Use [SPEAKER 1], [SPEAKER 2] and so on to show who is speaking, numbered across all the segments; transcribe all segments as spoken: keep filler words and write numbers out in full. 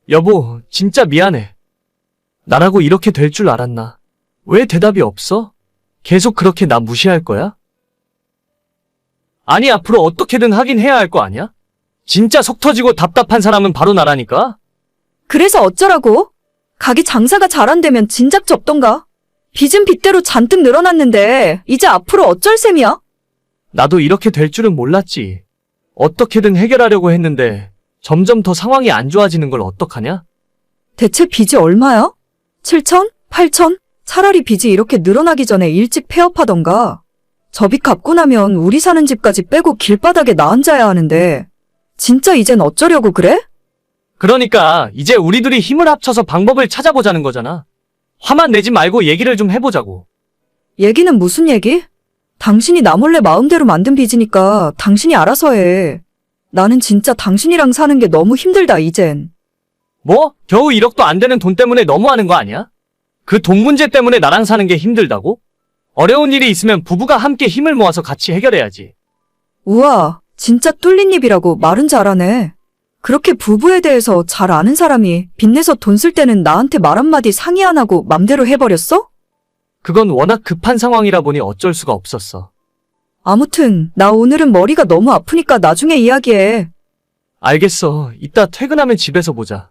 [SPEAKER 1] 여보, 진짜 미안해. 나라고 이렇게 될 줄 알았나? 왜 대답이 없어? 계속 그렇게 나 무시할 거야? 아니, 앞으로 어떻게든 하긴 해야 할 거 아니야? 진짜 속 터지고 답답한 사람은 바로 나라니까?
[SPEAKER 2] 그래서 어쩌라고? 가게 장사가 잘 안 되면 진작 접던가. 빚은 빚대로 잔뜩 늘어났는데 이제 앞으로 어쩔 셈이야?
[SPEAKER 1] 나도 이렇게 될 줄은 몰랐지. 어떻게든 해결하려고 했는데 점점 더 상황이 안 좋아지는 걸 어떡하냐?
[SPEAKER 2] 대체 빚이 얼마야? 칠천? 팔천? 차라리 빚이 이렇게 늘어나기 전에 일찍 폐업하던가. 저 빚 갚고 나면 우리 사는 집까지 빼고 길바닥에 나 앉아야 하는데 진짜 이젠 어쩌려고 그래?
[SPEAKER 1] 그러니까 이제 우리 둘이 힘을 합쳐서 방법을 찾아보자는 거잖아. 화만 내지 말고 얘기를 좀 해보자고.
[SPEAKER 2] 얘기는 무슨 얘기? 당신이 나 몰래 마음대로 만든 빚이니까 당신이 알아서 해. 나는 진짜 당신이랑 사는 게 너무 힘들다, 이젠.
[SPEAKER 1] 뭐? 겨우 일억도 안 되는 돈 때문에 너무하는 거 아니야? 그 돈 문제 때문에 나랑 사는 게 힘들다고? 어려운 일이 있으면 부부가 함께 힘을 모아서 같이 해결해야지.
[SPEAKER 2] 우와, 진짜 뚫린 입이라고 말은 잘하네. 그렇게 부부에 대해서 잘 아는 사람이 빚내서 돈 쓸 때는 나한테 말 한마디 상의 안 하고 맘대로 해버렸어?
[SPEAKER 1] 그건 워낙 급한 상황이라 보니 어쩔 수가 없었어.
[SPEAKER 2] 아무튼 나 오늘은 머리가 너무 아프니까 나중에 이야기해.
[SPEAKER 1] 알겠어. 이따 퇴근하면 집에서 보자.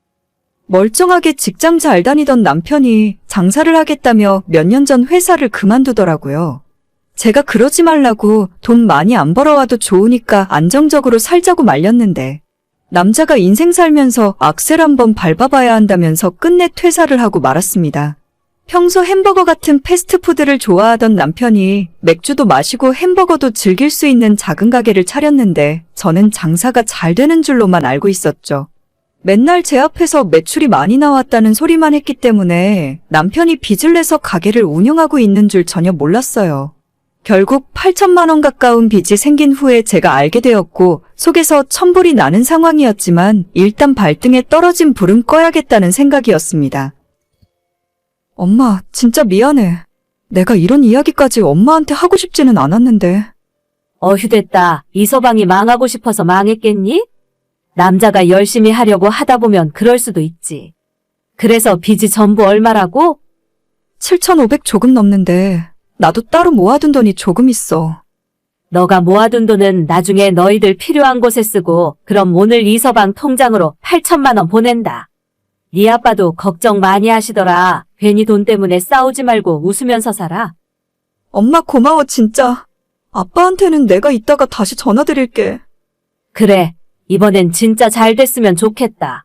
[SPEAKER 2] 멀쩡하게 직장 잘 다니던 남편이 장사를 하겠다며 몇 년 전 회사를 그만두더라고요. 제가 그러지 말라고 돈 많이 안 벌어와도 좋으니까 안정적으로 살자고 말렸는데 남자가 인생 살면서 악셀 한번 밟아봐야 한다면서 끝내 퇴사를 하고 말았습니다. 평소 햄버거 같은 패스트푸드를 좋아하던 남편이 맥주도 마시고 햄버거도 즐길 수 있는 작은 가게를 차렸는데 저는 장사가 잘 되는 줄로만 알고 있었죠. 맨날 제 앞에서 매출이 많이 나왔다는 소리만 했기 때문에 남편이 빚을 내서 가게를 운영하고 있는 줄 전혀 몰랐어요. 결국 팔천만 원 가까운 빚이 생긴 후에 제가 알게 되었고 속에서 천불이 나는 상황이었지만 일단 발등에 떨어진 불은 꺼야겠다는 생각이었습니다. 엄마, 진짜 미안해. 내가 이런 이야기까지 엄마한테 하고 싶지는 않았는데.
[SPEAKER 3] 어휴됐다. 이서방이 망하고 싶어서 망했겠니? 남자가 열심히 하려고 하다 보면 그럴 수도 있지. 그래서 빚이 전부 얼마라고?
[SPEAKER 2] 칠천오백 조금 넘는데 나도 따로 모아둔 돈이 조금 있어.
[SPEAKER 3] 너가 모아둔 돈은 나중에 너희들 필요한 곳에 쓰고 그럼 오늘 이서방 통장으로 팔천만 원 보낸다. 네 아빠도 걱정 많이 하시더라. 괜히 돈 때문에 싸우지 말고 웃으면서 살아.
[SPEAKER 2] 엄마 고마워 진짜. 아빠한테는 내가 이따가 다시 전화드릴게.
[SPEAKER 3] 그래. 이번엔 진짜 잘 됐으면 좋겠다.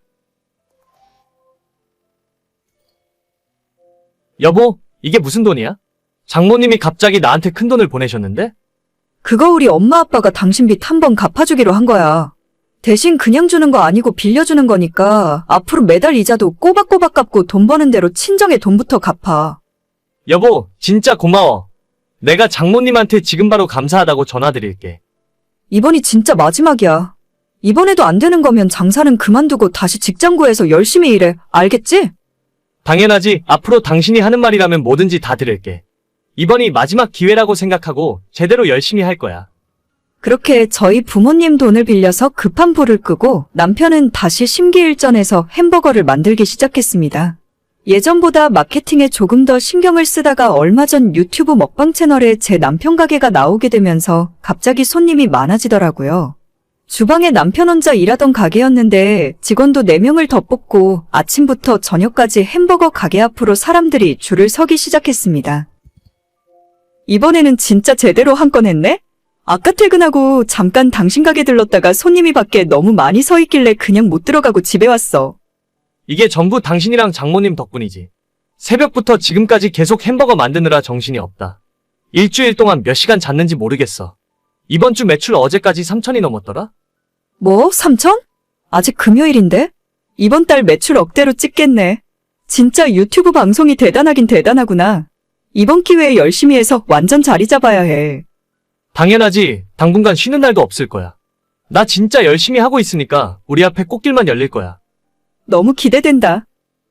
[SPEAKER 1] 여보, 이게 무슨 돈이야? 장모님이 갑자기 나한테 큰 돈을 보내셨는데?
[SPEAKER 2] 그거 우리 엄마 아빠가 당신 빚 한 번 갚아주기로 한 거야. 대신 그냥 주는 거 아니고 빌려주는 거니까 앞으로 매달 이자도 꼬박꼬박 갚고 돈 버는 대로 친정에 돈부터 갚아.
[SPEAKER 1] 여보, 진짜 고마워. 내가 장모님한테 지금 바로 감사하다고 전화드릴게.
[SPEAKER 2] 이번이 진짜 마지막이야. 이번에도 안 되는 거면 장사는 그만두고 다시 직장 구해서 열심히 일해. 알겠지?
[SPEAKER 1] 당연하지. 앞으로 당신이 하는 말이라면 뭐든지 다 들을게. 이번이 마지막 기회라고 생각하고 제대로 열심히 할 거야.
[SPEAKER 2] 그렇게 저희 부모님 돈을 빌려서 급한 불을 끄고 남편은 다시 심기일전해서 햄버거를 만들기 시작했습니다. 예전보다 마케팅에 조금 더 신경을 쓰다가 얼마 전 유튜브 먹방 채널에 제 남편 가게가 나오게 되면서 갑자기 손님이 많아지더라고요. 주방에 남편 혼자 일하던 가게였는데 직원도 네 명을 더 뽑고 아침부터 저녁까지 햄버거 가게 앞으로 사람들이 줄을 서기 시작했습니다. 이번에는 진짜 제대로 한 건 했네? 아까 퇴근하고 잠깐 당신 가게 들렀다가 손님이 밖에 너무 많이 서 있길래 그냥 못 들어가고 집에 왔어.
[SPEAKER 1] 이게 전부 당신이랑 장모님 덕분이지. 새벽부터 지금까지 계속 햄버거 만드느라 정신이 없다. 일주일 동안 몇 시간 잤는지 모르겠어. 이번 주 매출 어제까지 삼천이 넘었더라?
[SPEAKER 2] 뭐? 삼천? 아직 금요일인데? 이번 달 매출 억대로 찍겠네. 진짜 유튜브 방송이 대단하긴 대단하구나. 이번 기회에 열심히 해서 완전 자리 잡아야 해.
[SPEAKER 1] 당연하지. 당분간 쉬는 날도 없을 거야. 나 진짜 열심히 하고 있으니까 우리 앞에 꽃길만 열릴 거야.
[SPEAKER 2] 너무 기대된다.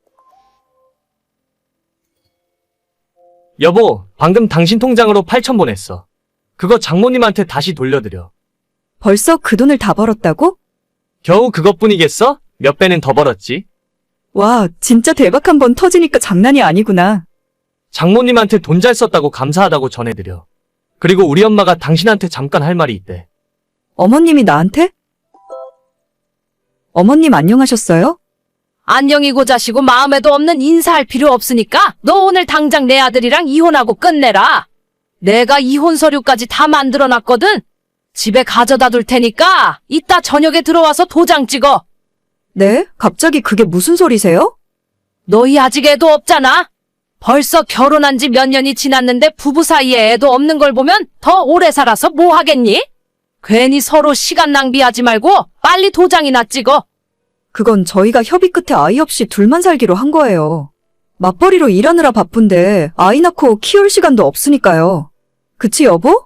[SPEAKER 1] 여보, 방금 당신 통장으로 팔천 보냈어. 그거 장모님한테 다시 돌려드려.
[SPEAKER 2] 벌써 그 돈을 다 벌었다고?
[SPEAKER 1] 겨우 그것뿐이겠어? 몇 배는 더 벌었지.
[SPEAKER 2] 와, 진짜 대박 한 번 터지니까 장난이 아니구나.
[SPEAKER 1] 장모님한테 돈 잘 썼다고 감사하다고 전해드려. 그리고 우리 엄마가 당신한테 잠깐 할 말이 있대.
[SPEAKER 2] 어머님이 나한테? 어머님 안녕하셨어요?
[SPEAKER 4] 안녕이고 자시고 마음에도 없는 인사할 필요 없으니까 너 오늘 당장 내 아들이랑 이혼하고 끝내라. 내가 이혼 서류까지 다 만들어놨거든. 집에 가져다 둘 테니까 이따 저녁에 들어와서 도장 찍어.
[SPEAKER 2] 네? 갑자기 그게 무슨 소리세요?
[SPEAKER 4] 너희 아직 애도 없잖아. 벌써 결혼한 지 몇 년이 지났는데 부부 사이에 애도 없는 걸 보면 더 오래 살아서 뭐 하겠니? 괜히 서로 시간 낭비하지 말고 빨리 도장이나 찍어.
[SPEAKER 2] 그건 저희가 협의 끝에 아이 없이 둘만 살기로 한 거예요. 맞벌이로 일하느라 바쁜데 아이 낳고 키울 시간도 없으니까요. 그치, 여보?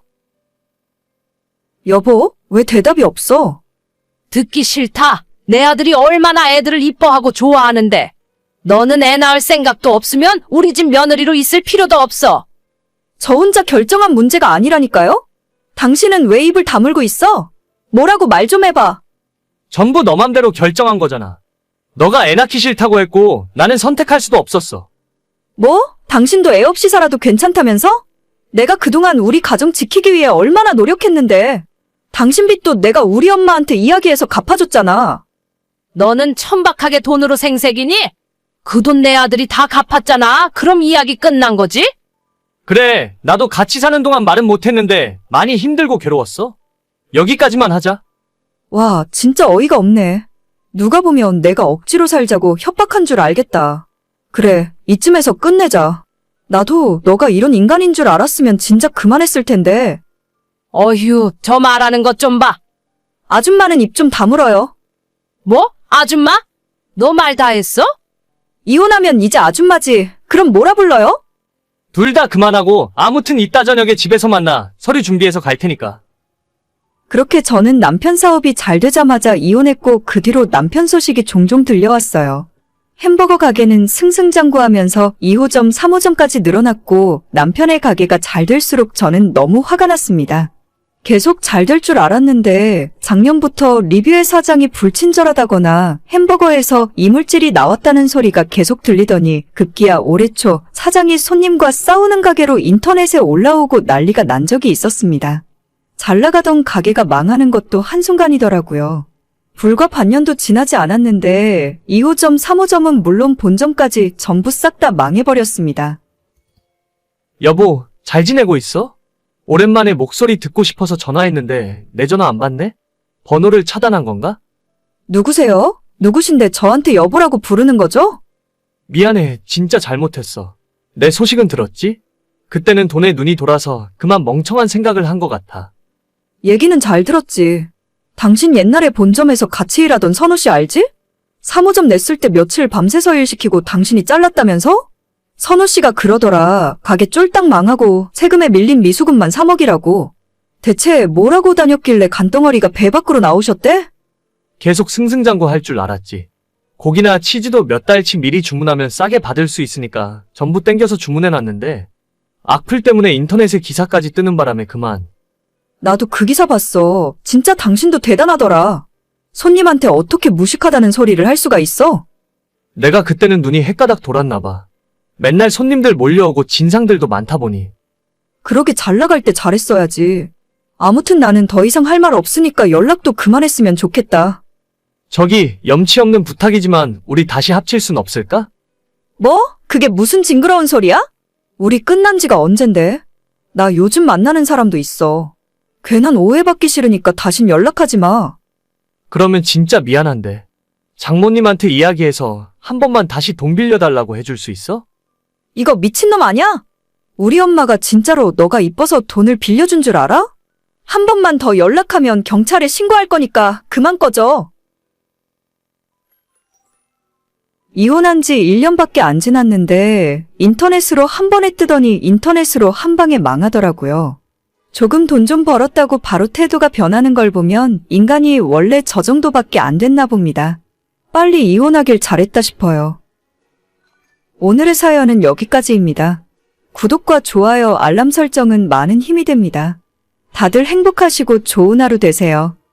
[SPEAKER 2] 여보, 왜 대답이 없어?
[SPEAKER 4] 듣기 싫다. 내 아들이 얼마나 애들을 이뻐하고 좋아하는데. 너는 애 낳을 생각도 없으면 우리 집 며느리로 있을 필요도 없어.
[SPEAKER 2] 저 혼자 결정한 문제가 아니라니까요? 당신은 왜 입을 다물고 있어? 뭐라고 말 좀 해봐.
[SPEAKER 1] 전부 너 맘대로 결정한 거잖아. 너가 애 낳기 싫다고 했고 나는 선택할 수도 없었어.
[SPEAKER 2] 뭐? 당신도 애 없이 살아도 괜찮다면서? 내가 그동안 우리 가정 지키기 위해 얼마나 노력했는데. 당신 빚도 내가 우리 엄마한테 이야기해서 갚아줬잖아.
[SPEAKER 4] 너는 천박하게 돈으로 생색이니? 그 돈 내 아들이 다 갚았잖아. 그럼 이야기 끝난 거지?
[SPEAKER 1] 그래, 나도 같이 사는 동안 말은 못했는데 많이 힘들고 괴로웠어. 여기까지만 하자.
[SPEAKER 2] 와, 진짜 어이가 없네. 누가 보면 내가 억지로 살자고 협박한 줄 알겠다. 그래, 이쯤에서 끝내자. 나도 너가 이런 인간인 줄 알았으면 진작 그만했을 텐데.
[SPEAKER 4] 어휴, 저 말하는 것 좀 봐.
[SPEAKER 2] 아줌마는 입 좀 다물어요.
[SPEAKER 4] 뭐? 아줌마? 너 말 다 했어?
[SPEAKER 2] 이혼하면 이제 아줌마지. 그럼 뭐라 불러요?
[SPEAKER 1] 둘 다 그만하고 아무튼 이따 저녁에 집에서 만나. 서류 준비해서 갈 테니까.
[SPEAKER 2] 그렇게 저는 남편 사업이 잘 되자마자 이혼했고 그 뒤로 남편 소식이 종종 들려왔어요. 햄버거 가게는 승승장구하면서 이 호점, 삼 호점까지 늘어났고 남편의 가게가 잘 될수록 저는 너무 화가 났습니다. 계속 잘 될 줄 알았는데 작년부터 리뷰의 사장이 불친절하다거나 햄버거에서 이물질이 나왔다는 소리가 계속 들리더니 급기야 올해 초 사장이 손님과 싸우는 가게로 인터넷에 올라오고 난리가 난 적이 있었습니다. 잘 나가던 가게가 망하는 것도 한순간이더라고요. 불과 반년도 지나지 않았는데 이 호점, 삼 호점은 물론 본점까지 전부 싹 다 망해버렸습니다.
[SPEAKER 1] 여보, 잘 지내고 있어? 오랜만에 목소리 듣고 싶어서 전화했는데 내 전화 안 받네? 번호를 차단한 건가?
[SPEAKER 2] 누구세요? 누구신데 저한테 여보라고 부르는 거죠?
[SPEAKER 1] 미안해, 진짜 잘못했어. 내 소식은 들었지? 그때는 돈에 눈이 돌아서 그만 멍청한 생각을 한 것 같아.
[SPEAKER 2] 얘기는 잘 들었지. 당신 옛날에 본점에서 같이 일하던 선우 씨 알지? 삼 호점 냈을 때 며칠 밤새서 일시키고 당신이 잘랐다면서? 선우 씨가 그러더라. 가게 쫄딱 망하고 세금에 밀린 미수금만 삼억이라고. 대체 뭐라고 다녔길래 간덩어리가 배 밖으로 나오셨대?
[SPEAKER 1] 계속 승승장구 할 줄 알았지. 고기나 치즈도 몇 달치 미리 주문하면 싸게 받을 수 있으니까 전부 땡겨서 주문해놨는데 악플 때문에 인터넷에 기사까지 뜨는 바람에 그만.
[SPEAKER 2] 나도 그 기사 봤어. 진짜 당신도 대단하더라. 손님한테 어떻게 무식하다는 소리를 할 수가 있어?
[SPEAKER 1] 내가 그때는 눈이 헷가닥 돌았나 봐. 맨날 손님들 몰려오고 진상들도 많다 보니.
[SPEAKER 2] 그러게 잘 나갈 때 잘했어야지. 아무튼 나는 더 이상 할 말 없으니까 연락도 그만했으면 좋겠다.
[SPEAKER 1] 저기 염치 없는 부탁이지만 우리 다시 합칠 순 없을까?
[SPEAKER 2] 뭐? 그게 무슨 징그러운 소리야? 우리 끝난 지가 언젠데? 나 요즘 만나는 사람도 있어. 괜한 오해받기 싫으니까 다신 연락하지 마.
[SPEAKER 1] 그러면 진짜 미안한데 장모님한테 이야기해서 한 번만 다시 돈 빌려달라고 해줄 수 있어?
[SPEAKER 2] 이거 미친놈 아니야? 우리 엄마가 진짜로 너가 이뻐서 돈을 빌려준 줄 알아? 한 번만 더 연락하면 경찰에 신고할 거니까 그만 꺼져. 이혼한 지 일 년밖에 안 지났는데 인터넷으로 한 번에 뜨더니 인터넷으로 한 방에 망하더라고요. 조금 돈 좀 벌었다고 바로 태도가 변하는 걸 보면 인간이 원래 저 정도밖에 안 됐나 봅니다. 빨리 이혼하길 잘했다 싶어요. 오늘의 사연은 여기까지입니다. 구독과 좋아요, 알람 설정은 많은 힘이 됩니다. 다들 행복하시고 좋은 하루 되세요.